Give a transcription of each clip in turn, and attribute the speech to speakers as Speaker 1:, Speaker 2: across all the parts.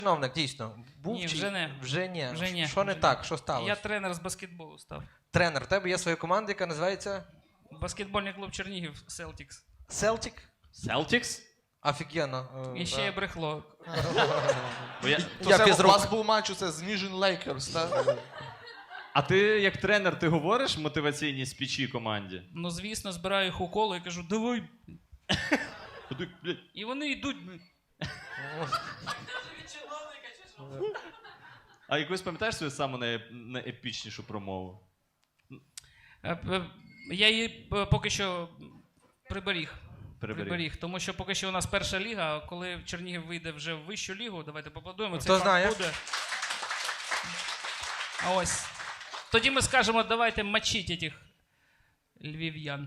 Speaker 1: Чиновник, дійсно. Був
Speaker 2: Ні,
Speaker 1: чи...
Speaker 2: вже не.
Speaker 1: Вже ні.
Speaker 2: Вже ні.
Speaker 1: Що не так? Що сталося?
Speaker 2: Я тренер з баскетболу став.
Speaker 1: Тренер. У тебе є своя команда, яка називається
Speaker 2: Баскетбольний клуб Чернігів Celtics.
Speaker 1: Celtic?
Speaker 3: Celtics?
Speaker 1: Офігенно.
Speaker 2: І ще є брехло.
Speaker 1: Я
Speaker 4: Це у
Speaker 1: фізрук.
Speaker 4: вас був матч це з Ніжин Лейкерс, так?
Speaker 3: А ти, як тренер, ти говориш мотиваційні спічі команді?
Speaker 2: Ну, звісно, збираю їх у коло і кажу, давай.
Speaker 3: Ходи, блядь.
Speaker 2: І вони йдуть.
Speaker 3: А якусь пам'ятаєш свою саму найепічнішу промову?
Speaker 2: Я її поки що приберіг. Тому що поки що у нас перша ліга, а коли Чернігів вийде вже в вищу лігу, давайте поаплодуємо.
Speaker 1: Хто знає?
Speaker 2: Буде. А ось. Тоді ми скажемо, давайте мочіть этих львів'ян.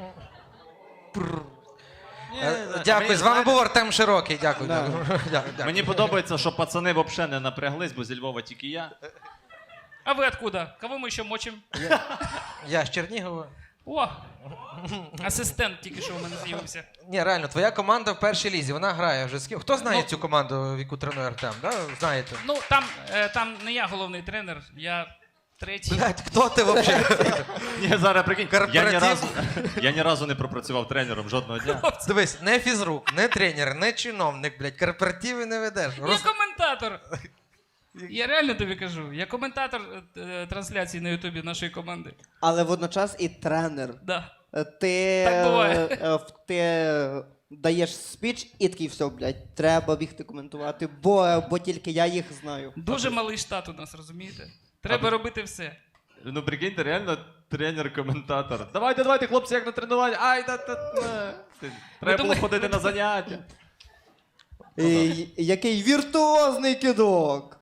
Speaker 1: Дякую. З вами був Артем Широкий. Дякую. Дякую.
Speaker 3: Мені подобається, що пацани взагалі не напряглись, бо зі Львова тільки я.
Speaker 2: А ви откуда? Кого ми ще мочимо?
Speaker 1: Я з Чернігова.
Speaker 2: О! Асистент тільки що у мене з'явився.
Speaker 1: Ні, реально, твоя команда в першій лізі, вона грає вже з ким. Хто знає цю команду, в яку тренує Артем? Да? Знаєте?
Speaker 2: Ну, там не я головний тренер, я третій.
Speaker 1: Блядь, хто ти взагалі?
Speaker 3: Ні, зараз прикинь,
Speaker 1: Корпоратив?
Speaker 3: я ні разу не пропрацював тренером жодного дня.
Speaker 1: Дивись, не фізрук, не тренер, не чиновник, блядь, корпоративи не ведеш.
Speaker 2: Я коментатор. Я реально тобі кажу, я коментатор трансляції на Ютубі нашої команди.
Speaker 5: Але водночас і тренер.
Speaker 2: Да.
Speaker 5: Ти,
Speaker 2: Так буває.
Speaker 5: ти даєш спіч і такий, все, блядь, треба бігти коментувати, бо тільки я їх знаю.
Speaker 2: Дуже малий штат у нас, розумієте? Треба робити все.
Speaker 3: Ну прикиньте, реально тренер-коментатор. Давайте, хлопці, як на тренуванні. Ай, треба було
Speaker 2: думаєте-
Speaker 3: ходити на заняття.
Speaker 5: Який віртуозний кидок!